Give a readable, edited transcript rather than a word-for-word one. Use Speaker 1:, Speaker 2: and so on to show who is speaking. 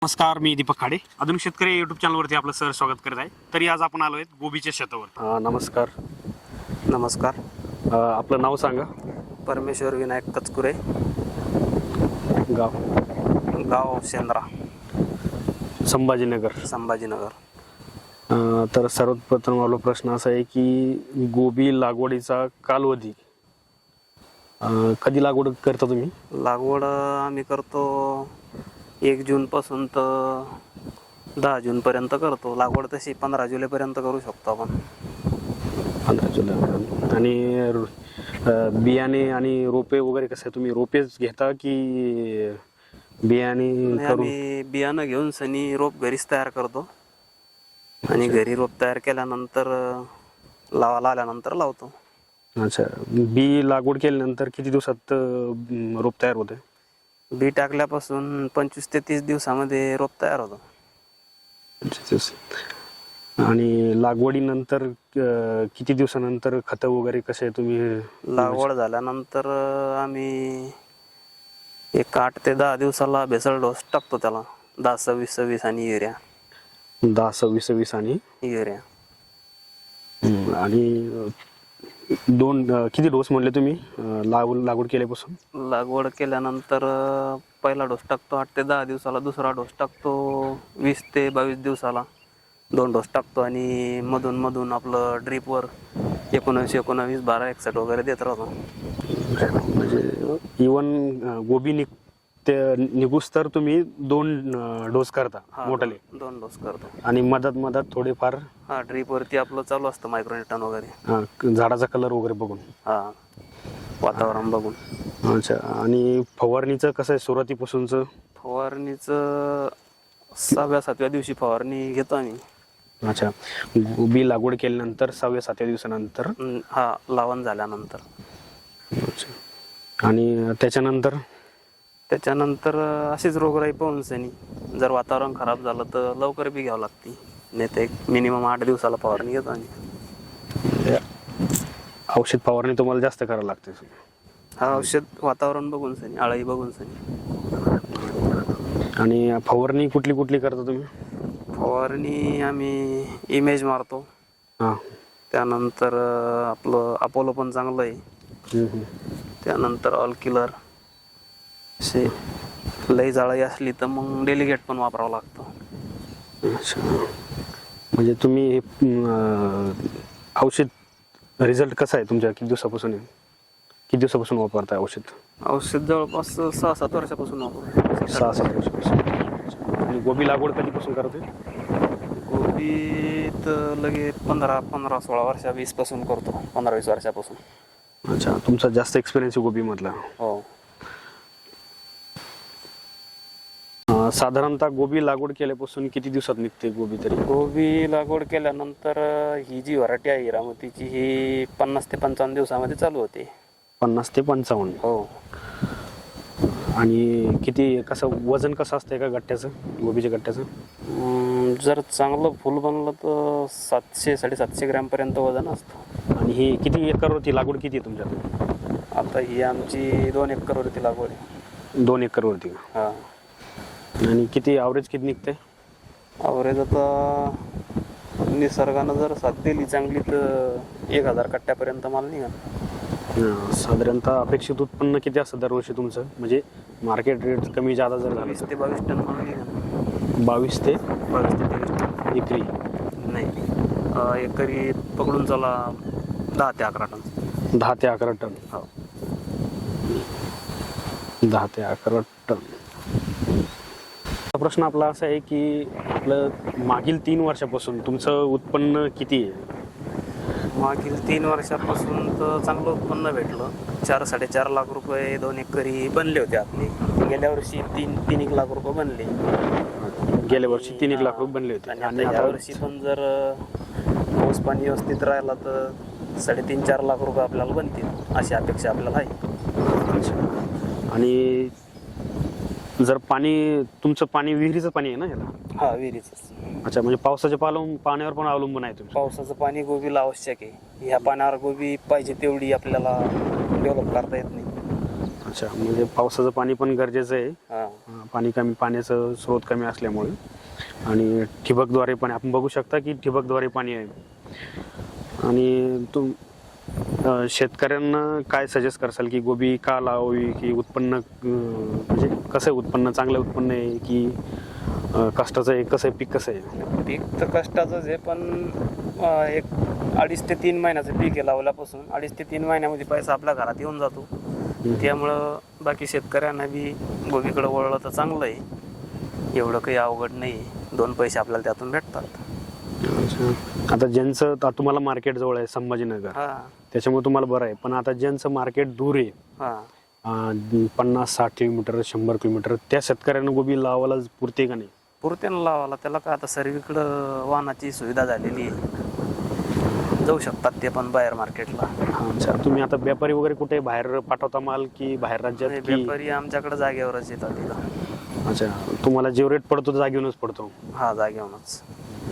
Speaker 1: नमस्कार, मी दीपक खाडे. आधुनिक शेतकरी युट्यूब चॅनलवरती आपलं सर स्वागत करत आहे. तरी आज आपण आलो आहेत गोबीच्या शेतावर. नमस्कार.
Speaker 2: नमस्कार.
Speaker 1: आपलं नाव सांगा.
Speaker 2: परमेश्वर विनायक कचकुरे,
Speaker 1: गाव
Speaker 2: गाव शेंद्रा,
Speaker 1: संभाजीनगर.
Speaker 2: संभाजीनगर.
Speaker 1: तर सर्वप्रथम आपला प्रश्न असा आहे की गोबी लागवडीचा कालावधी कधी लागवड करता तुम्ही?
Speaker 2: लागवड आम्ही करतो 1 जूनपासून तर 10 जूनपर्यंत करतो. लागवड तशी 15 जुलैपर्यंत करू शकतो आपण.
Speaker 1: 15 जुलै. आणि बियाणे आणि रोपे वगैरे कसं आहे, तुम्ही रोपेच घेता की बियाणे करून?
Speaker 2: आम्ही बियाणं घेऊन सनी रोप घरीच तयार करतो आणि घरी रोप तयार केल्यानंतर लावायला आल्यानंतर लावतो.
Speaker 1: अच्छा. बी लागवड केल्यानंतर किती दिवसात रोप तयार होते?
Speaker 2: बी टाकल्यापासून 25 ते 30 दिवसामध्ये रोप तयार होतं.
Speaker 1: 25 दिवस. आणि लागवडीनंतर किती दिवसानंतर खतं वगैरे कसे तुम्ही?
Speaker 2: लागवड झाल्यानंतर आम्ही 8 ते 10 दिवसाला बेसल डोस टाकतो त्याला. 10-26-26 आणि युरिया.
Speaker 1: 10-26-26 आणि
Speaker 2: युरिया.
Speaker 1: आणि किती डोस म्हणले तुम्ही लागवड केल्यापासून?
Speaker 2: लागवड केल्यानंतर पहिला डोस टाकतो 8 ते 10 दिवसाला, दुसरा डोस टाकतो 20 ते 22 दिवसाला. 2 डोस टाकतो आणि मधून मधून आपलं ड्रीपवर 19-19 12-61 वगैरे देत राहतो.
Speaker 1: म्हणजे इवन गोबी निघूस तर तुम्ही 2 डोस करता मोठाले?
Speaker 2: 2 डोस करतो.
Speaker 1: आणि मधात थोडेफार?
Speaker 2: ड्रीपवरती आपलं चालू असतं मायक्रोन्यूटन वगैरे.
Speaker 1: झाडाचा कलर वगैरे बघून?
Speaker 2: वातावरण बघून.
Speaker 1: अच्छा. आणि फवारणीचं कसं आहे सुरुवातीपासूनचं?
Speaker 2: फवारणीचं 6व्या-7व्या दिवशी फवारणी घेतो आम्ही.
Speaker 1: अच्छा. गोबी लागवड केल्यानंतर 6व्या-7व्या दिवसानंतर?
Speaker 2: लावण झाल्यानंतर.
Speaker 1: अच्छा. आणि
Speaker 2: त्याच्यानंतर अशीच रोगराई पाहून सनी जर वातावरण खराब झालं तर लवकर बी घ्यावं लागते. नाही तर एक मिनिमम 8 दिवसाला फवारणी घेतो आम्ही.
Speaker 1: औषध फवारणी तुम्हाला जास्त करावं लागते?
Speaker 2: औषध वातावरण बघून सनी, आळी बघून सनी.
Speaker 1: आणि फवारणी कुठली करता तुम्ही?
Speaker 2: फवारणी आम्ही इमेज मारतो. त्यानंतर आपलं अपोलो पण चांगलं आहे. त्यानंतर ऑल किलर. असे लई जाळी असली तर मग डेलिगेट पण वापरावं लागतं.
Speaker 1: अच्छा. म्हणजे तुम्ही औषध रिझल्ट कसा आहे तुमच्या? किती दिवसापासून वापरताय औषध?
Speaker 2: औषध जवळपास 6-7 वर्षापासून वापरतो.
Speaker 1: 6-7 वर्षापासून. आणि गोबी लागवड कधीपासून करते?
Speaker 2: गोबी तर लगे 15-16 वर्षा 20 पासून करतो. 15-20 वर्षापासून.
Speaker 1: अच्छा. तुमचा जास्त एक्सपिरियन्स आहे गोबी मधला?
Speaker 2: हो.
Speaker 1: साधारणतः गोबी लागवड केल्यापासून किती दिवसात निघते गोबी तरी?
Speaker 2: गोबी लागवड केल्यानंतर ही जी व्हरायटी आहे हिरामतीची, ही 50 ते 55 दिवसामध्ये चालू होते.
Speaker 1: 50 ते 55?
Speaker 2: हो.
Speaker 1: आणि वजन कसं असतंय का गट्ट्याचं, गोबीच्या गट्ट्याचं?
Speaker 2: जर चांगलं फुल बनलं तर 700-750 ग्रॅमपर्यंत वजन असतं.
Speaker 1: आणि ही किती एकरवरती लागवड किती आहे तुमच्यात?
Speaker 2: आता ही आमची 2 एकरवरती लागवड आहे.
Speaker 1: 2 एकरवरती का? आणि किती ॲव्हरेज किती निघते?
Speaker 2: ॲव्हरेज आता निसर्गानं जर साथ दिली चांगली तर 1000 कट्ट्यापर्यंत माल निघाल.
Speaker 1: साधारणतः अपेक्षित उत्पन्न किती असतं दरवर्षी तुमचं? म्हणजे मार्केट रेट कमी जादा जर झालं?
Speaker 2: 20 ते 22 टन माल निघाल.
Speaker 1: 22 ते
Speaker 2: 23 टन
Speaker 1: एकरी?
Speaker 2: नाही, एकरी पकडून चला 10 ते 11 टन.
Speaker 1: 10 ते 11 टन?
Speaker 2: हो.
Speaker 1: 10 ते 11 टन. प्रश्न आपला असा आहे की आपलं मागील 3 वर्षापासून तुमचं उत्पन्न किती आहे?
Speaker 2: मागील 3 वर्षापासून तर चांगलं उत्पन्न भेटलं. 4-4.5 लाख रुपये 2 एकरी बनले होते आपले. गेल्या वर्षी 3-1 लाख रुपये बनले.
Speaker 1: गेल्या वर्षी 3-1 लाख रुपये बनले होते.
Speaker 2: आणि या वर्षी पण जर पाऊस पाणी व्यवस्थित राहिला तर 3.5-4 लाख रुपये आपल्याला बनतील अशी अपेक्षा आपल्याला आहे.
Speaker 1: आणि जर तुमचं पाणी विहिरीचं पाणी आहे ना याला?
Speaker 2: विहिरीचं.
Speaker 1: अच्छा. म्हणजे पावसाच्या पाण्यावर पण अवलंबून आहे तुम्ही?
Speaker 2: पावसाचं पाणी गोबीला आवश्यक आहे. ह्या पाण्यावर गोबी पाहिजे तेवढी आपल्याला डेव्हलप करता येत नाही.
Speaker 1: अच्छा, म्हणजे पावसाचं पाणी पण गरजेचं आहे.
Speaker 2: हा
Speaker 1: पाण्याचं स्रोत कमी असल्यामुळे आणि ठिबकद्वारे पण आपण बघू शकता की ठिबकद्वारे पाणी आहे. आणि शेतकऱ्यांना काय सजेस्ट करसाल की गोबी का लावावी, की उत्पन्न म्हणजे कसं आहे, उत्पन्न चांगलं उत्पन्न आहे की कष्टाचं आहे, कसं आहे, पीक कसं आहे?
Speaker 2: पीक तर कष्टाचंच आहे, पण एक 2.5 ते 3 महिन्याचं पीक आहे लावल्यापासून. 2.5 ते 3 महिन्यामध्ये पैसा आपल्या घरात येऊन जातो. त्यामुळं बाकी शेतकऱ्यांना बी गोबीकडे वळलं तर चांगलं आहे. एवढं काही अवघड नाही, 2 पैसे आपल्याला त्यातून भेटतात.
Speaker 1: अच्छा. आता ज्यांचं तुम्हाला मार्केट जवळ आहे संभाजीनगर,
Speaker 2: हा
Speaker 1: त्याच्यामुळे तुम्हाला बरं आहे. पण आता ज्यांचं मार्केट दूर आहे,
Speaker 2: हा
Speaker 1: 50-60 किलोमीटर 100 किलोमीटर, त्या शेतकऱ्यांना गोबी लावायला पुरते का नाही?
Speaker 2: पुरत्यानं लावायला त्याला काय आता सर्वीकडं वाहनाची सुविधा झालेली आहे, जाऊ शकतात ते पण बाहेर मार्केटला.
Speaker 1: अच्छा, तुम्ही आता व्यापारी वगैरे कुठे बाहेर पाठवता माल की बाहेर राज्यात की?
Speaker 2: व्यापारी आमच्याकडे जागेवरच येतात तिथं.
Speaker 1: अच्छा, तुम्हाला जो रेट पडतो तो जागेवरूनच पडतो.
Speaker 2: हा जागेवरच.